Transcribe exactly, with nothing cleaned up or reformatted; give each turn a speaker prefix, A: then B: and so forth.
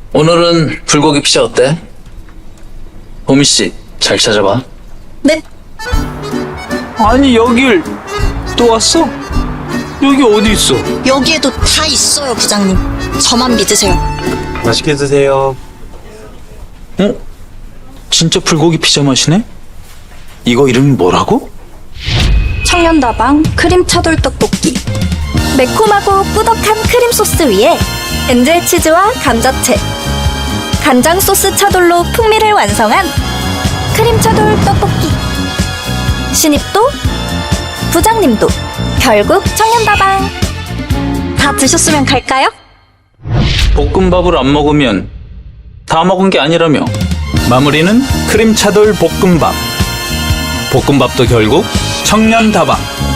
A: 오늘은 불고기 피자 어때? 보미씨 잘 찾아봐.
B: 네,
C: 아니 여길 또 왔어? 여기 어디 있어?
B: 여기에도 다 있어요, 부장님. 저만 믿으세요.
C: 맛있게 드세요. 어? 진짜 불고기 피자 맛이네? 이거 이름이 뭐라고?
B: 청년다방 크림 차돌 떡볶이. 매콤하고 뿌덕한 크림 소스 위에 엔젤 치즈와 감자채, 간장 소스 차돌로 풍미를 완성한 크림 차돌 떡볶이. 신입도 부장님도 결국 청년다방. 다 드셨으면 갈까요?
C: 볶음밥을 안 먹으면 다 먹은 게 아니라며. 마무리는 크림 차돌 볶음밥. 볶음밥도 결국 청년 다방.